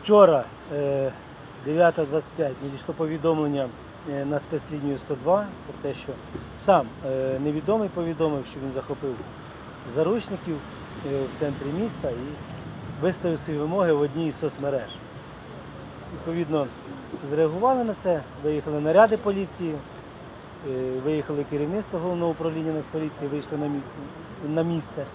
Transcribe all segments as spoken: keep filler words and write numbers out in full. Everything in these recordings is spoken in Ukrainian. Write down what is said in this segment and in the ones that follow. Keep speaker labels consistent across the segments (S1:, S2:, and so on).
S1: Вчора, дев'ята двадцять п'ять, надійшло повідомлення на спецлінію сто два про те, що сам невідомий повідомив, що він захопив заручників в центрі міста і виставив свої вимоги в одній із соцмереж. Відповідно, зреагували на це, виїхали наряди поліції, виїхали керівництво головного управління Нацполіції, вийшли на місце.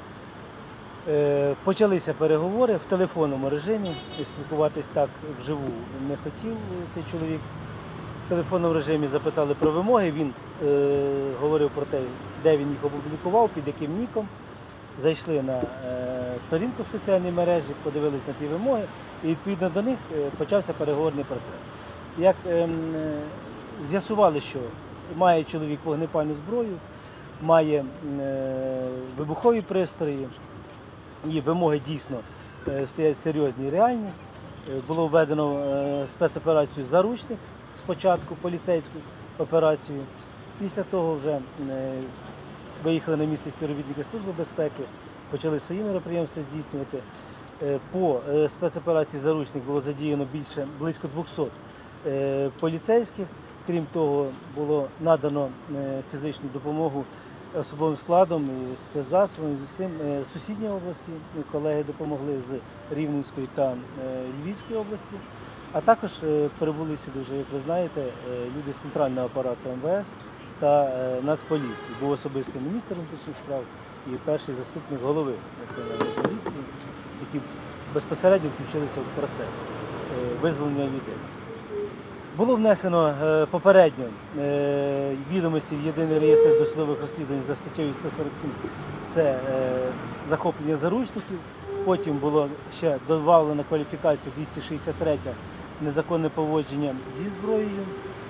S1: Почалися переговори в телефонному режимі, спілкуватись так вживу не хотів цей чоловік. В телефонному режимі запитали про вимоги, він е, говорив про те, де він їх опублікував, під яким ніком. Зайшли на е, сторінку в соціальній мережі, подивились на ті вимоги і відповідно до них почався переговорний процес. Як е, з'ясували, що має чоловік вогнепальну зброю, має е, вибухові пристрої, і вимоги дійсно стоять серйозні і реальні. Було введено спецоперацію «Заручник», спочатку поліцейську операцію. Після того вже виїхали на місце співробітники Служби безпеки, почали свої мероприємства здійснювати. По спецоперації «Заручник» було задіяно більше, близько двохсот поліцейських. Крім того, було надано фізичну допомогу особовим складом, і спецзасобами з усім сусідньої області. Колеги допомогли з Рівненської та Львівської області. А також прибули сюди вже, як ви знаєте, люди з центрального апарату ем ве ес та Нацполіції. Був особисто міністр внутрішніх справ і перший заступник голови Національної поліції, які безпосередньо включилися в процес визволення людей. Було внесено попередньо відомості в єдиний реєстр досудових розслідувань за статтею сто сорок сім, це захоплення заручників. Потім було ще додавлена кваліфікація двісті шістдесят третя незаконне поводження зі зброєю.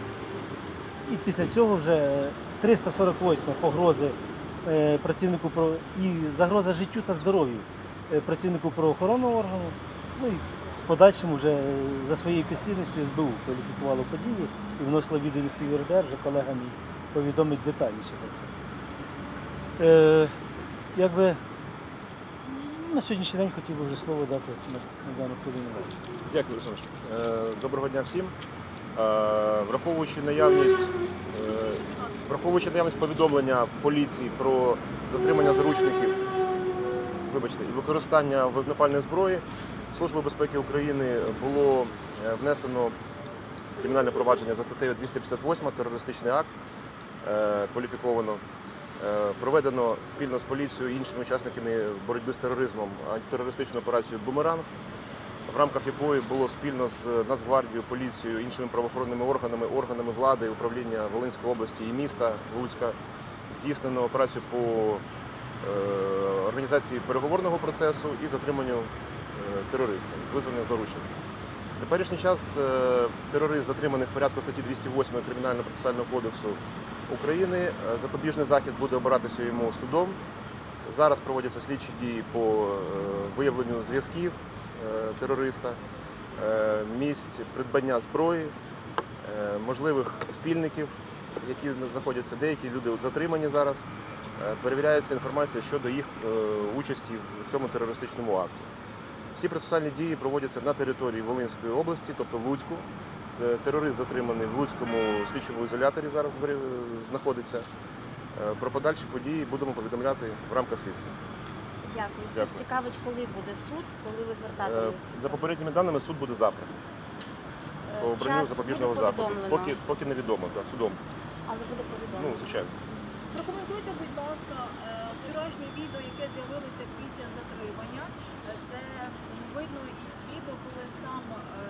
S1: І після цього вже триста сорок восьма погрози працівнику і загроза життю та здоров'ю працівнику правоохоронного органу. Ну, і в подальшому вже за своєю підслідністю ес бе у кваліфікувало події і вносило відомості в ер де ер, вже колегам повідомить детальніше про це. Е, якби, на сьогоднішній день хотів би вже слово дати на, на дану хвилину.
S2: Дякую, Олександр. Доброго дня всім. Враховуючи наявність, враховуючи наявність повідомлення поліції про затримання заручників, вибачте, і використання вогнепальної зброї, Службою безпеки України було внесено кримінальне провадження за статтею двісті п'ятдесят восьма терористичний акт, кваліфіковано. Проведено спільно з поліцією і іншими учасниками боротьби з тероризмом антитерористичну операцію «Бумеранг», в рамках якої було спільно з Нацгвардією, поліцією, іншими правоохоронними органами, органами влади, управління Волинської області і міста Луцька здійснено операцію по організації переговорного процесу і затриманню терористів, визволення заручників. В теперішній час терорист затриманий в порядку статті двісті восьмої Кримінально-процесуального кодексу України. Запобіжний захід буде обиратися йому судом. Зараз проводяться слідчі дії по виявленню зв'язків терориста, місць придбання зброї, можливих спільників, які знаходяться, деякі люди затримані зараз. Перевіряється інформація щодо їх участі в цьому терористичному акті. Всі процесуальні дії проводяться на території Волинської області, тобто в Луцьку. Терорист затриманий в Луцькому слідчому ізоляторі зараз знаходиться. Про подальші події будемо повідомляти в рамках слідства.
S3: Дякую. Всіх
S2: Дякую.
S3: цікавить, коли буде суд, коли ви звертатимете?
S2: За попередніми даними, суд буде завтра. По обранню запобіжного заходу. Поки, поки невідомо, да, судом.
S3: Але буде
S2: Ну,
S3: повідомлено.
S2: звичайно.
S4: Прокоментуйте, будь ласка, вчорашнє відео, яке з'явилося після затримання, де видно із відео, коли сам,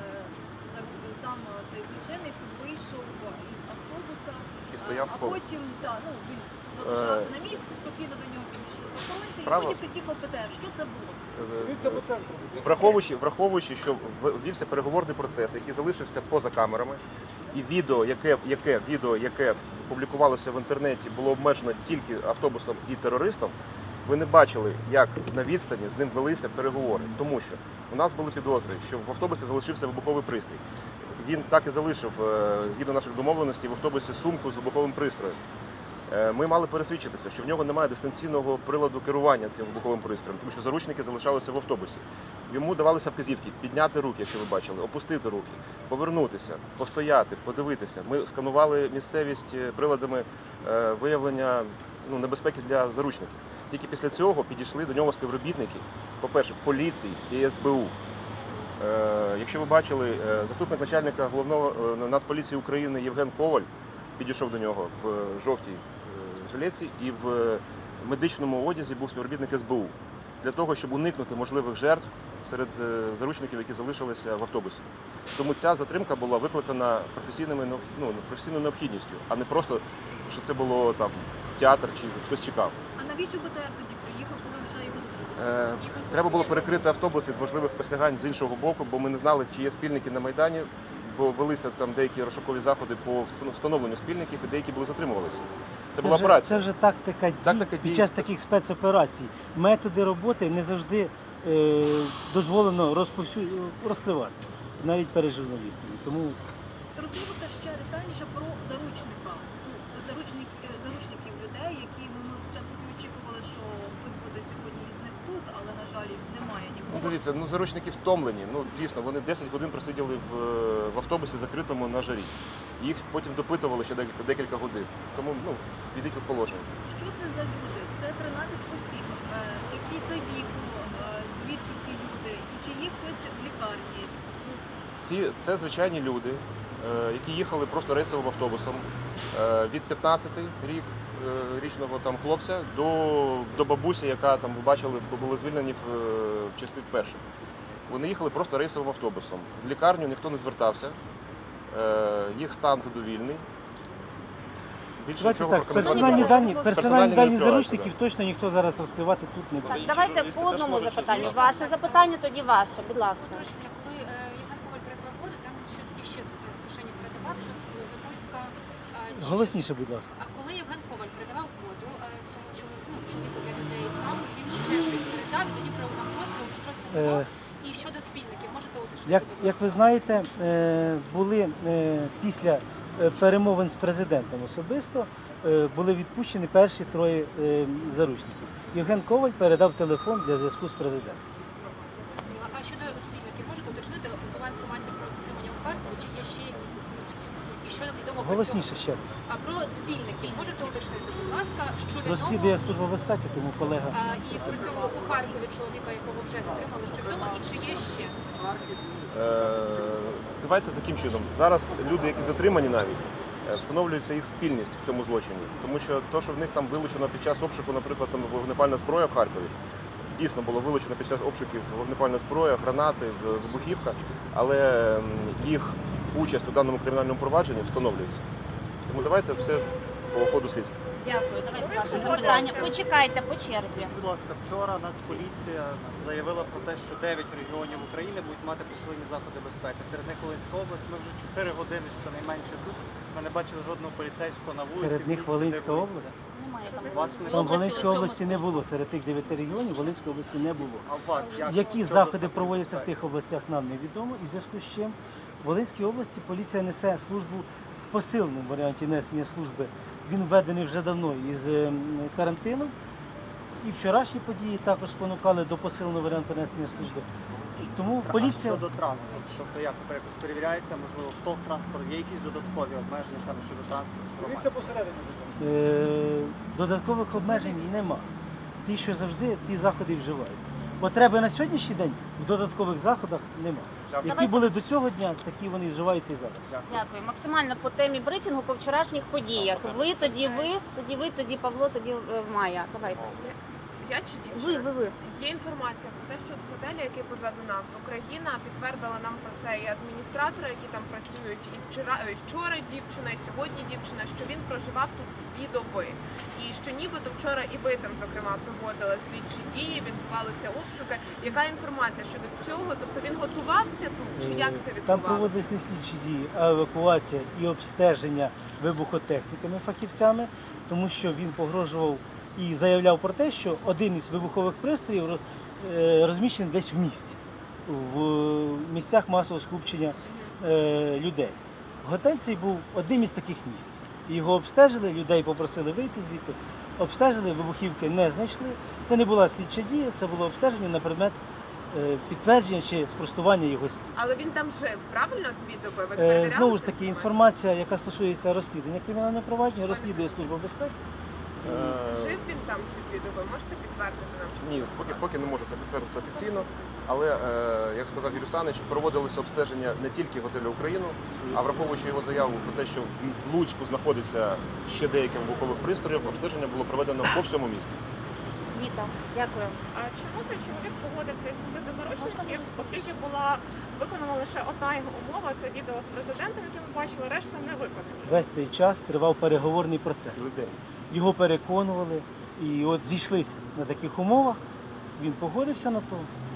S4: сам цей злочинець вийшов із автобуса,
S2: І стояв
S4: а
S2: коло.
S4: потім та, ну, він залишався на місці, спокійно до нього підійшли охоронці, і
S2: Справа-
S4: потім приїхав пе те ер. Що це було?
S2: Враховуючи, враховуючи, що ввівся переговорний процес, який залишився поза камерами, і відео, яке, яке, відео, яке публікувалося в інтернеті, було обмежено тільки автобусом і терористом, ви не бачили, як на відстані з ним велися переговори. Тому що у нас були підозри, що в автобусі залишився вибуховий пристрій. Він так і залишив, згідно наших домовленостей, в автобусі сумку з вибуховим пристроєм. Е, Ми мали пересвідчитися, що в нього немає дистанційного приладу керування цим вибуховим пристроєм, тому що заручники залишалися в автобусі. Йому давалися вказівки підняти руки, якщо ви бачили, опустити руки, повернутися, постояти, подивитися. Ми сканували місцевість приладами е, виявлення ну, небезпеки для заручників. Тільки після цього підійшли до нього співробітники, по-перше, поліції і ес бе у. Е, Якщо ви бачили, е, заступник начальника головного е, Нацполіції України Євген Коваль підійшов до нього в жовтій е, жилетці і в медичному одязі був співробітник ес бе у для того, щоб уникнути можливих жертв серед е, заручників, які залишилися в автобусі. Тому ця затримка була викликана професійними необх- ну, професійною необхідністю, а не просто, що це було там театр чи хтось чекав.
S4: А навіщо Б Т Р тоді приїхав, коли вже його затримали?
S2: Е, Треба було перекрити автобус від можливих посягань з іншого боку, бо ми не знали, чи є спільники на Майдані, бо велися там деякі розшукові заходи по встановленню- встановленню спільників і деякі були затримувалися. Це, була
S1: вже,
S2: операція.
S1: Це вже тактика дій
S2: Тактика
S1: під
S2: дій.
S1: час таких спецоперацій. Методи роботи не завжди е, дозволено розповсю... розкривати, навіть перед журналістами. Тому
S4: Розкажіть, будь ласка, ще детальніше про заручника. Ну, заручник, е, заручників людей, які ну, ми спочатку очікували, що хтось буде сьогодні із них тут, але, на жаль, немає
S2: Ну,
S4: нікого.
S2: дивіться, ну заручники втомлені. Ну дійсно, вони десять годин просиділи в, в автобусі закритому на жарі. Їх потім допитували ще декілька, декілька годин. Тому ну, відійдіть від положення.
S4: Що це за люди? Це тринадцять осіб. Е, Який це віку? Е, Звідки ці люди? І чи є хтось в лікарні?
S2: Ці це звичайні люди, е, які їхали просто рейсовим автобусом е, від п'ятнадцяти рік е, річного там хлопця до, до бабусі, яка там ви бачили, були звільнені в, е, в часи перших. Вони їхали просто рейсовим автобусом. В лікарню ніхто не звертався, е, їх стан задовільний. Більше
S1: давайте
S2: нічого
S1: так,
S2: прокоментувати
S1: персональні
S2: не можу.
S1: дані,
S2: Персональні
S1: персональні
S2: не
S1: дані
S2: відкриваються,
S1: заручників точно ніхто зараз розкривати тут не буде.
S3: Так, давайте по одному запитанню. Ваше запитання, тоді ваше, будь ласка.
S5: Уточнення, коли е, Євген Коваль передавав воду, там щось іще з з кишені передавав, щось е, записка. е, чи
S1: Голосніше, будь ласка.
S5: щось. А коли Євген Коваль передавав воду е, цьому чоловіку, ну, чоловіку для людей, там він ще щось передав, і тоді проводив кодку, що це було.
S1: Е,
S5: І щодо спільників, можете уточнити?
S1: Як,
S5: будь
S1: як ви знаєте, е, були е, після е, перемовин з президентом особисто е, були відпущені перші троє е, заручників. Євген Коваль передав телефон для зв'язку з президентом.
S5: ласка? А щодо спільників, можете уточнити? Була інформація про затримання у Харкові, чи є ще якісь затримання? І що відомо про
S1: Голосніше
S5: цього?
S1: ще раз.
S5: А про спільників можете уточнити, будь ласка, що відомо?
S1: Розслідує Служба безпеки, тому колега.
S5: А, і при цьому у Харкові чоловіка, якого вже затримали, що відомо, і чи є ще?
S2: Е, Давайте таким чином. Зараз люди, які затримані навіть, е, встановлюється їх спільність в цьому злочині. Тому що те, що в них там вилучено під час обшуку, наприклад, там вогнепальна зброя в Харкові, дійсно було вилучено під час обшуків вогнепальна зброя, гранати, в- вибухівка, але м, їх участь у даному кримінальному провадженні встановлюється. Тому давайте все по ходу слідства.
S3: Дякую. Давайте ваше запитання. Почекайте по черзі.
S6: Скажіть, будь ласка, вчора Нацполіція заявила про те, що дев'ять регіонів України будуть мати посилені заходи безпеки. Серед них Волинська область. Ми вже чотири години щонайменше тут. Ми не бачили жодного поліцейського на вулиці.
S1: Серед
S6: в
S1: них
S6: місті, де
S1: Волинська
S6: ви
S1: область.
S6: їздите.
S3: Немає там.
S6: Вас не
S1: Там
S5: області
S1: Волинської
S5: у цьому
S1: області не було. Серед тих дев'яти регіонів Волинської області не було.
S6: А у вас як?
S1: Які
S6: щодо
S1: заходи
S6: заходів
S1: проводяться в
S6: безпеки?
S1: тих областях, нам невідомо. І в зв'язку з чим в Волинській області поліція несе службу в посиленому варіанті несення служби. Він введений вже давно із ем, карантину. І вчорашні події також спонукали до посиленого варіанту несення служби. Тому
S6: А
S1: поліція
S6: щодо транспорту, тобто як тепер якось перевіряється, можливо, хто в транспорт, є якісь додаткові обмеження саме щодо транспорту?
S1: е, додаткових обмежень нема. Ті, що завжди, ті заходи і вживаються. Потреби на сьогоднішній день в додаткових заходах нема. Які
S3: Давайте.
S1: були до цього дня, такі вони і вживаються і зараз.
S3: Дякую. Максимально по темі брифінгу по вчорашніх подіях. Ви, тоді ви, тоді ви, тоді Павло, тоді е, Майя. Давайте.
S7: Я чи
S3: Ви,
S7: дівчина?
S3: ви, ви.
S7: Є інформація про те, що от готелі, які позаду нас, Україна підтвердила нам про це і адміністратори, які там працюють, і вчора, і вчора дівчина, і сьогодні дівчина, що він проживав тут дві доби. І що нібито вчора і ви там, зокрема, проводили слідчі дії, відбувалися обшуки. Яка інформація щодо цього? Тобто він готувався тут, чи як це
S1: Там
S7: відбувалося?
S1: проводились не слідчі дії, а евакуація і обстеження вибухотехніками, фахівцями, тому що він погрожував і заявляв про те, що один із вибухових пристроїв роз- е, розміщений десь в місті, в місцях масового скупчення е, людей. Готель цей був одним із таких місць. Його обстежили, людей попросили вийти звідти, обстежили, вибухівки не знайшли. Це не була слідча дія, це було обстеження на предмет е, підтвердження чи спростування його слів.
S7: Але він там жив, правильно, дві доби? Ви
S1: Е,
S7: перевіряли
S1: Знову ж
S7: цю
S1: таки,
S7: інформацію?
S1: інформація, яка стосується розслідування кримінального провадження, розслідує Служба безпеки.
S2: Е,
S7: Жив він там ці дві доби? Можете підтвердити нам? чи
S2: Ні, поки, поки не можу це підтвердити офіційно, але, е, як сказав Юрій Санич, проводилися обстеження не тільки готелю Україну, а враховуючи його заяву про те, що в Луцьку знаходиться ще деякі вибухових пристроїв, обстеження було проведено по всьому місту.
S3: Віта, дякую.
S8: А чому цей чоловік погодився відпустити заручників, оскільки була виконана лише одна його умова, це відео з президентом, яке ми бачили, решта не виконані.
S1: Весь цей час тривав переговорний процес.
S2: Цілий день.
S1: Його переконували, і от зійшлися на таких умовах, він погодився на то.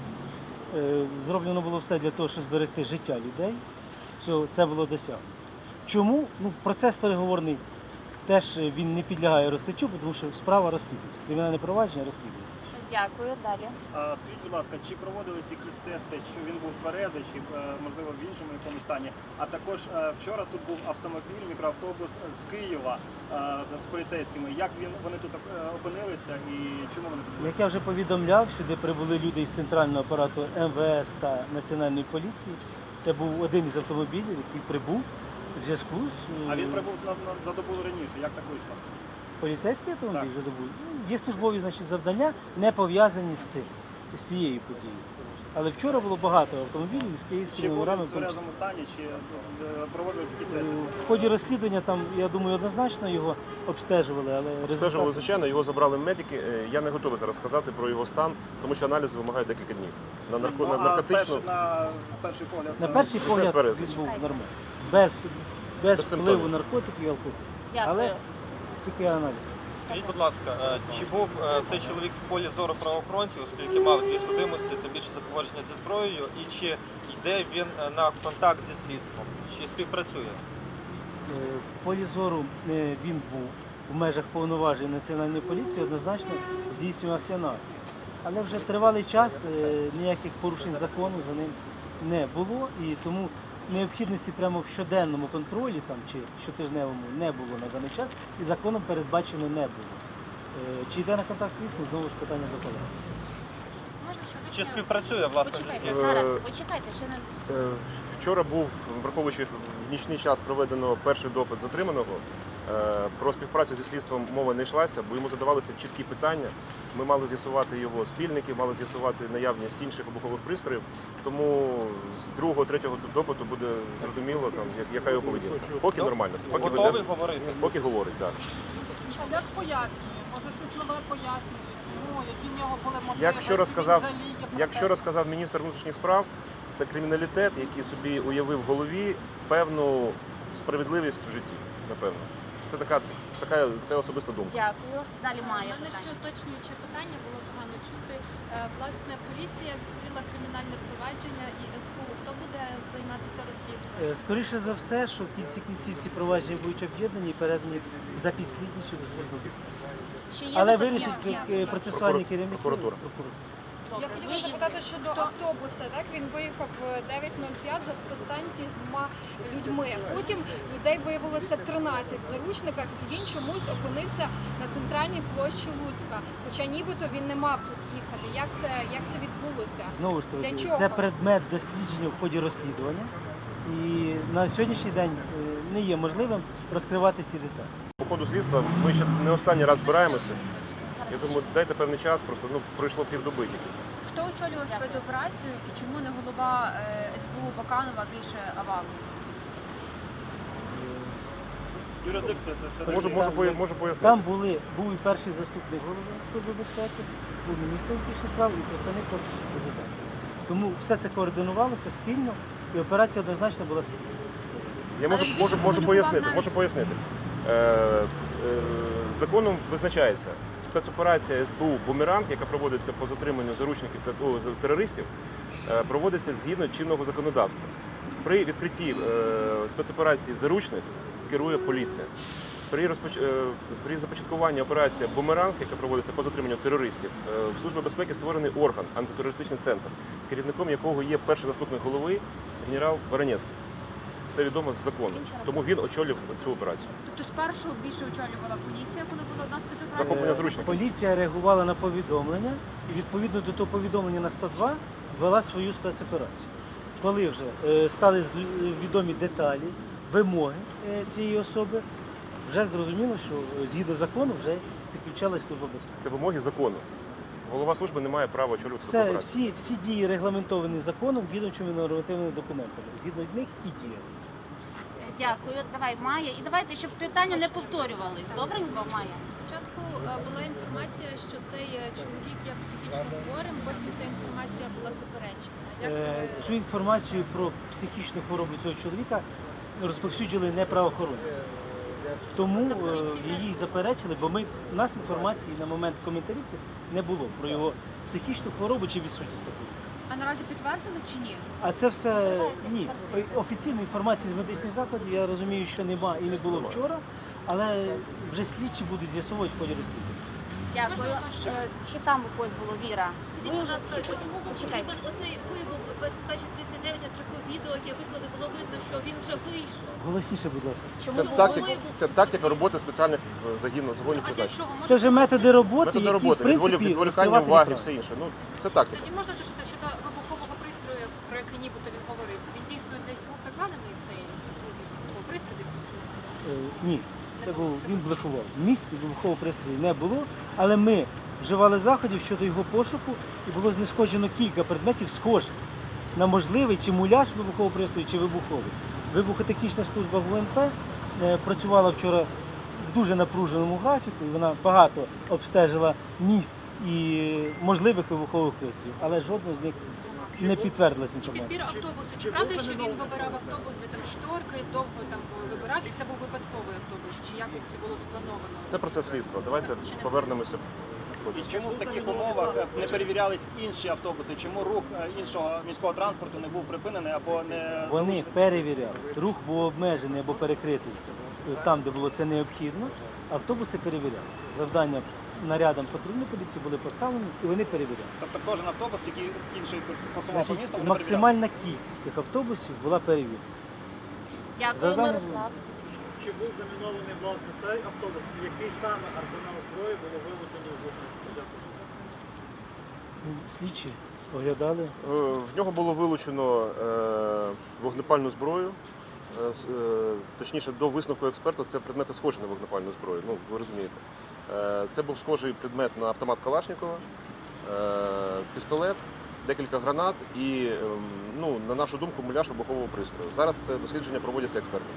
S1: Е, Зроблено було все для того, щоб зберегти життя людей. Цього- Це було досягнуто. Чому? Ну, процес переговорний теж е, він не підлягає розкриттю, тому що справа розслідується. Кримінальне провадження розслідується.
S3: Дякую. Далі.
S9: А скажіть, будь ласка, чи проводились якісь тести, що він був тверезий, чи е, можливо в іншому якомусь стані? А також е, вчора тут був автомобіль, мікроавтобус з Києва е, з поліцейськими. Як він вони тут е, опинилися і чому вони тут були?
S1: Як я вже повідомляв, сюди прибули люди із центрального апарату Ем Ве Ес та Національної поліції. Це був один із автомобілів, який прибув в зв'язку з е,
S9: А він прибув на, на за добу раніше. Як так вийшло?
S1: поліцейський автомобіль
S9: Так.
S1: за добу. Ну, є службові, значить, завдання, не пов'язані з цим, з цією подією. Але вчора було багато автомобілів з
S9: Чи
S1: київськими
S9: був
S1: номерами.
S9: він в
S1: в тому числі.
S9: тверезому стані, чи е, проводились якісь
S1: Е,
S9: тести?
S1: В ході розслідування там, я думаю, однозначно його обстежували, але
S2: Обстежували,
S1: результати...
S2: звичайно, його забрали медики. Е, Я не готовий зараз сказати про його стан, тому що аналізи вимагають декілька днів. На, нарко...
S9: Ну,
S2: на
S9: а
S2: наркотичну
S9: перший, на перший погляд
S1: На
S9: е,
S1: перший
S2: Це
S1: погляд
S2: тверезий.
S1: він був нормальний. Без, без,
S2: Без
S1: впливу
S2: симптомів.
S1: наркотиків і алкоголю.
S3: Дякую.
S1: Але тільки аналіз.
S6: Скажіть, будь ласка, е, чи був е, цей чоловік в полі зору правоохоронців, оскільки мав дві судимості, тим більше за поводження зі зброєю, і чи йде він е, на контакт зі слідством? Чи співпрацює?
S1: Е, В полі зору е, він був в межах повноважень Національної поліції, однозначно здійснювався нагляд. Але вже тривалий час е, ніяких порушень закону за ним не було, і тому необхідності прямо в щоденному контролі там, чи щотижневому не було на даний час, і законом передбачено не було. Е, Чи йде на контакт з слідством, знову ж питання до колеги.
S5: Можна ще
S6: Чи
S5: уточнення?
S6: співпрацює, власне, зі
S3: Почекайте,
S6: слідством?
S2: Е,
S3: зараз, почекайте, ще не
S2: Е, Вчора був, враховуючи в нічний час проведено перший допит затриманого. Е, Про співпрацю зі слідством мова не йшлася, бо йому задавалися чіткі питання. Ми мали з'ясувати його спільники, мали з'ясувати наявність інших вибухових пристроїв. Тому з другого, третього допиту буде зрозуміло, там, як- яка його поведінка. Поки нормально, все, поки,
S6: Готовий
S2: веде-
S6: говорити?
S2: поки говорить, так.
S10: А як пояснює? Може щось нове пояснює? Ну, які в нього були мотиви?
S2: Як вчора
S10: чи він
S2: сказав,
S10: жаліє про
S2: як
S10: те,
S2: вчора сказав міністр внутрішніх справ, це криміналітет, який собі уявив в голові певну справедливість в житті, напевно. Це така, це така, така особиста думка.
S3: дякую. Далі
S11: У
S3: має
S11: мене ще
S3: питання.
S11: уточнююче питання, було погано чути. Е, Власне, поліція відкрила кримінальне провадження і ес бе у. Хто буде займатися розслідуванням?
S1: Е, Скоріше за все, що в кінці кінців ці провадження будуть об'єднані і передані за підслідністю до служби безпеки.
S3: Ще є
S1: Але
S3: запитання?
S1: вирішить е, процесуальні
S2: Прокуратура.
S1: керівники.
S2: Прокуратура.
S8: Я
S3: Добре.
S8: хотіла
S3: Ви-
S8: запитати щодо автобуса. Так він виїхав в дев'ять нуль п'ять з автостанції з двома людьми. Потім людей виявилося тринадцять в заручниках, і він чомусь опинився на центральній площі Луцька. Хоча нібито він не мав тут їхати. Як це як це відбулося?
S1: Знову ж
S8: Для
S1: таки,
S8: чого?
S1: це предмет дослідження в ході розслідування. І на сьогоднішній день е, не є можливим розкривати ці деталі.
S2: По ходу слідства ми ще не останній раз збираємося. Я думаю, дайте певний час, просто ну, пройшло півдоби тільки.
S4: Хто очолював спецоперацію і чому не голова е, ес бе у Баканова більше Авалу?
S9: Юрисдикція це все
S2: Можу,
S9: таки-
S2: можу, поя- можу пояснити.
S1: Там були, був і перший заступник голови Служби безпеки, був міністр внутрішніх справ і представник Офісу президента. Тому все це координувалося спільно, і операція однозначно була спільна.
S2: Я можу,
S4: Але більше
S2: можу, можу
S4: комунікував
S2: пояснити,
S4: навіть-
S2: можу пояснити. Е, е, законом визначається спецоперація ес бе у «Бумеранг», яка проводиться по затриманню заручників та о, за- терористів, е, проводиться згідно чинного законодавства. При відкритті е, спецоперації «Заручник» керує поліція. При, розпоч... е, при започаткуванні операції «Бумеранг», яка проводиться по затриманню терористів, е, в Службі безпеки створений орган, антитерористичний центр, керівником якого є перший заступник голови генерал Воронецький. Це відомо з закону. Тому він очолив цю операцію.
S11: Тобто спершу більше очолювала поліція, коли була одна спецоперація?
S2: Захоплення зручників.
S1: Поліція реагувала на повідомлення і відповідно до того повідомлення на сто два вела свою спецоперацію. Коли вже е, стали з- відомі деталі, вимоги е, цієї особи, вже зрозуміло, що е, згідно закону вже підключалась служба безпеки.
S2: Це вимоги закону. Голова служби не має права очолювати таку
S1: Все,
S2: операцію.
S1: всі, всі дії регламентовані законом, відомчими нормативними документами. Згідно них і діє.
S3: Дякую. Давай, Майя. І давайте, щоб питання не повторювались. Добренько, Майя?
S11: Спочатку е, була інформація, що цей е, чоловік є психічно хворим, потім ця інформація була заперечена. Як
S1: Е,
S11: ви-
S1: Цю інформацію про психічну хворобу цього чоловіка розповсюджували не правоохоронці. Тому е, її заперечили, бо ми, у нас інформації на момент коментарів цих не було про його психічну хворобу чи відсутність такої.
S11: А наразі підтвердили чи ні?
S1: А це все ні. Офіційної інформації з медичних закладів я розумію, що нема і не було вчора, але вже слідчі будуть з'ясовувати в ході розслідування.
S3: Дякую. Е, Ще там у когось було, Віра. Ви вже чекай.
S12: Оцей вибух без перших тридцять дев'ять, адже по відео, яке виклали, було видно, що він вже вийшов.
S1: Голосніше, будь ласка.
S3: Чому
S2: Це
S3: було
S2: тактика,
S3: вибух?
S2: це тактика роботи спеціальних е, загінів, загонів
S11: А для
S2: призначень.
S11: чого? Можна
S1: Це вже методи роботи,
S2: Методи
S1: які,
S2: роботи,
S1: в принципі,
S2: відволі- відволікання
S1: розкривати
S2: уваги,
S1: неправильно.
S2: все інше. Ну, це тактика.
S11: Тоді можна уточнити щодо вибухового пристрою, про який нібито він говорив. Він дійсно десь був закладений цей вибуховий пристрій десь тут?
S1: Е, Ні, це був він блефував. В місці вибухового пристрою не було, але ми вживали заходів щодо його пошуку і було знешкоджено кілька предметів схожих на можливий чи муляж вибухового пристрою, чи вибуховий. Вибухотехнічна служба ГУНП е, працювала вчора в дуже напруженому графіку, і вона багато обстежила місць і можливих вибухових пристроїв, але жодного з них не підтвердилась інформація.
S11: Підбір автобусу. Чи правда, що він вибирав автобус, де там шторки, довго там вибирав, і це був випадковий автобус? Чи якось це було сплановано?
S2: Це процес слідства. Давайте повернемося.
S9: І чому в таких умовах е, не перевірялись інші автобуси? Чому рух е, іншого міського транспорту не був припинений або не
S1: Вони перевірялись. Рух був обмежений або перекритий е, там, де було це необхідно. Автобуси перевірялися. Завдання нарядам патрульної поліції були поставлені і вони перевірялися.
S9: Тобто кожен автобус, який інший курсував по
S1: Значить,
S9: місту, вони
S1: максимальна кількість цих автобусів була перевірена.
S3: Дякую,
S1: Завдання
S3: Мирослав.
S6: Чи був замінований власне цей автобус? І який саме арсенал зброї було вилучено в Дякую.
S1: Ну, Слідчі оглядали.
S2: Е, В нього було вилучено е, вогнепальну зброю. Е, с- е, Точніше, до висновку експерта це предмети схожі на вогнепальну зброю. Ну, ви розумієте. Е, Це був схожий предмет на автомат Калашникова, е, пістолет, декілька гранат і, ем, ну, на нашу думку, муляж вибухового пристрою. Зараз це дослідження проводяться експертами.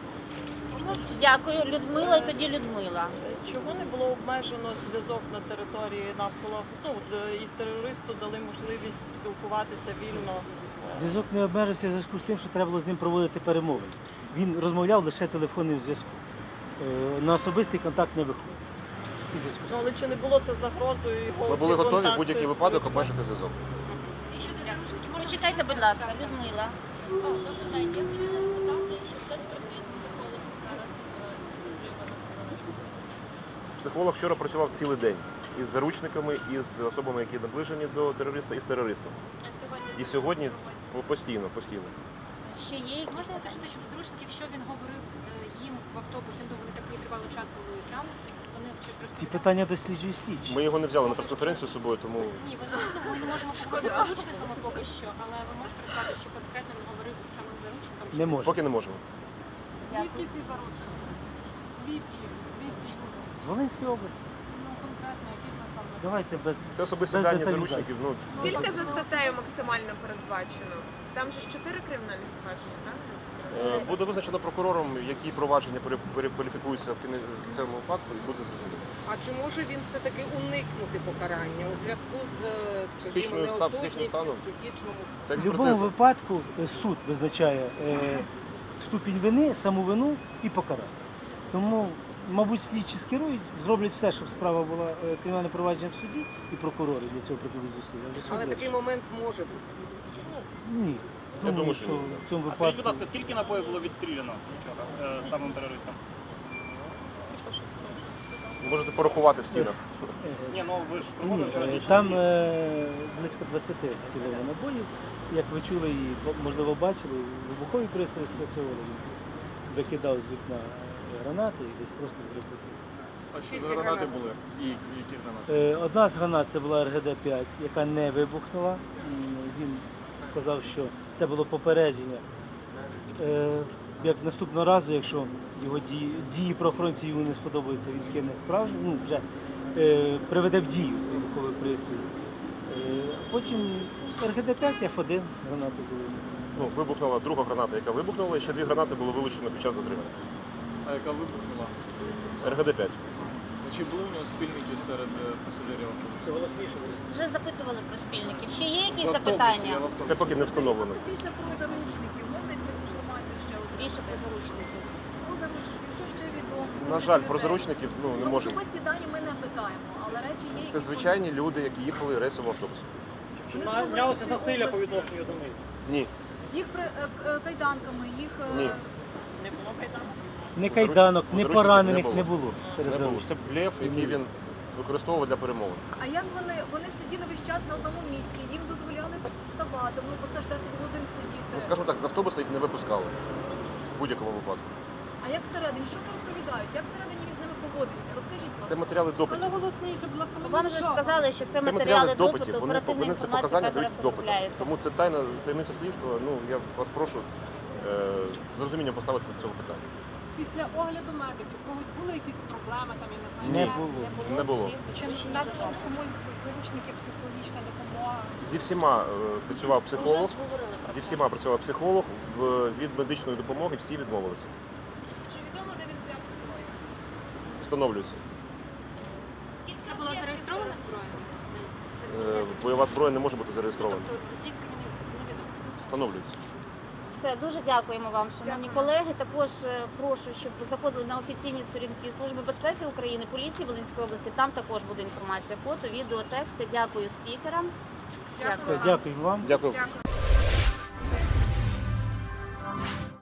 S3: Дякую, Людмила, і тоді Людмила.
S13: Чого не було обмежено зв'язок на території навколо авто? От, і терористу дали можливість спілкуватися вільно.
S1: Зв'язок не обмежився в зв'язку з тим, що треба було з ним проводити перемовини. Він розмовляв лише телефонним зв'язком. Е, На особистий контакт не виходив. У зв'язку з
S13: Ну,
S1: цим.
S13: але чи не було це загрозою його?
S2: Ми були
S13: ці
S2: готові в
S13: контакти
S2: будь-який
S13: з
S2: випадок
S13: людьми?
S2: обмежити зв'язок.
S11: І щодо заручників можна...
S3: Почекайте, будь ласка, Людмила.
S12: О, добрий день. Я хотіла спитати, чи хтось працює з психологом зараз е, з затриманим терористом?
S2: Психолог вчора працював цілий день із заручниками, із особами, які наближені до терориста, і з терористом.
S12: А сьогодні
S2: І сьогодні по- постійно, постійно.
S3: Ще є якісь
S11: Можна
S3: питання?
S11: уточнити щодо заручників, що він говорив е, їм в автобусі, ну вони такий тривалий час були там, вони щось
S1: Ці
S11: розповідали?
S1: питання досліджує слідчі.
S2: Ми його не взяли на прес-конференцію з собою, тому
S11: Ні, ви, ну, ми не можемо поговорити з заручниками поки що, але ви можете розказати, що конкретно він говорив самим заручникам?
S1: Не може.
S2: поки не можемо.
S10: Звідки ці заручники? Звідки? Звідки?
S1: З Волинської області.
S10: Ну, конкретно, які наставники?
S1: Давайте без
S2: Це особисті
S1: без
S2: дані
S1: деталізації.
S2: заручників. Ну,
S7: Скільки за статтею максимально передбачено? Там же ж чотири кримінальних провадження, правильно?
S2: е, буде визначено прокурором, які провадження пере- перекваліфікуються в кіне- в цьому випадку, і буде зрозуміло.
S14: А чи може він все-таки уникнути покарання у зв'язку з е, скажімо,
S2: Психічною ста- психічним
S14: неосудністю,
S2: станом?
S14: психічному
S2: Це
S1: В будь-якому
S2: експертиза.
S1: випадку е, суд визначає е, ступінь вини, саму вину і покарання. Тому, мабуть, слідчі скерують, зроблять все, щоб справа була е, кримінальне провадження в суді, і прокурори для цього прикладуть зусилля. Вже суд
S14: Але
S1: вирішить.
S14: такий момент може бути.
S1: Ні.
S2: Я
S1: Думаю,
S2: думаю,
S1: що
S2: що ні.
S1: в цьому
S9: А скажіть, будь
S1: випадку
S9: ласка, скільки набоїв було відстріляно вчора е, самим терористам?
S2: Можете порахувати в стінах.
S9: Ні, ну ви ж
S1: Ні,
S9: проводили
S1: е,
S9: теоретичні
S1: там
S9: дії.
S1: е, близько двадцяти вцілило набоїв. Як ви чули і можливо бачили, вибухові пристрої спрацьовували. Він викидав з вікна гранати і десь просто взрив потрібен.
S9: А що за гранати були? І які гранати?
S1: Е, Одна з гранат це була Р Г Д п'ять, яка не вибухнула. М, Він сказав, що це було попередження. Е, Як наступного разу, якщо його дії, дії правоохоронців йому не сподобаються, він кине справжню, ну вже е, приведе в дію вибуховий пристрій. Е, Потім Р Г Д п'ять, Ф один гранати були.
S2: Ну, вибухнула друга граната, яка вибухнула, і ще дві гранати було вилучено під час затримання.
S15: А яка вибухнула?
S2: Р Г Д п'ять.
S15: Чи були у нього спільники серед е, пасажирів автобусу?
S3: Вже запитували про спільників. Ще є якісь
S15: В автобусі,
S3: запитання?
S15: я в автобусі.
S2: Це поки не встановлено.
S4: Більше про заручників, можна якусь інформацію ще от?
S3: Більше про заручників.
S4: Про заручників, що ще відомо?
S2: На жаль, про заручників ну, не
S4: Ну,
S2: можемо.
S4: особисті дані ми не питаємо, але речі є,
S2: Це
S4: які
S2: звичайні люди, які їхали рейсовим автобусом.
S6: Чи
S4: Ми
S6: нанялося
S4: змогли
S6: насилля по
S4: області.
S6: відношенню до них?
S2: Ні.
S4: їх при- е, е, кайданками, їх е,
S2: Ні.
S13: Не було кайданок?
S1: Ні кайданок, ні
S2: Заручників
S1: поранених
S2: не
S1: не
S2: було.
S1: було
S2: Не
S1: серед
S2: було.
S1: заручників.
S2: Це блеф, який він використовував для перемовин.
S4: А як вони, вони сиділи весь час на одному місці, їм дозволяли вставати, ну бо це ж десять годин сидіти.
S2: Ну, скажімо так, з автобуса їх не випускали в будь-якому випадку.
S4: А як всередині, що там розповідають? Як всередині він з ними поводився? Розкажіть, будь
S2: Це
S4: ласка.
S2: матеріали допитів.
S3: Вам же ж сказали, що це
S2: Це
S3: матеріали
S2: матеріали
S3: допиту,
S2: допитів. Вони
S3: оперативна
S2: повинні це
S3: інформація,
S2: показання
S3: яка зараз
S2: дають в допитах.
S3: розробляється.
S2: Тому це тайна таємниця слідства. Ну я вас прошу е, з розумінням поставитися до цього питання.
S10: Після огляду медиків когось були якісь проблеми, там, я не знаю.
S1: Не
S10: як?
S1: було.
S2: Не було.
S8: Чи надано комусь заручники психологічна допомога?
S2: Зі всіма е, працював психолог.
S3: Вже ж говорили про
S2: Зі
S3: це.
S2: всіма працював психолог. В- Від медичної допомоги всі відмовилися.
S4: Чи відомо, де він взяв зброю?
S2: Встановлюється.
S5: Це була зареєстрована зброя?
S2: Е, Бойова зброя не може бути зареєстрована.
S5: Тобто звідки мені невідомо?
S2: Встановлюється.
S3: Все, дуже дякуємо вам, шановні колеги. Також е, прошу, щоб ви заходили на офіційні сторінки Служби безпеки України, поліції Волинської області. Там також буде інформація, фото, відео, тексти. Дякую спікерам.
S1: Все, дякую вам.
S2: Дякую.
S7: Дякую.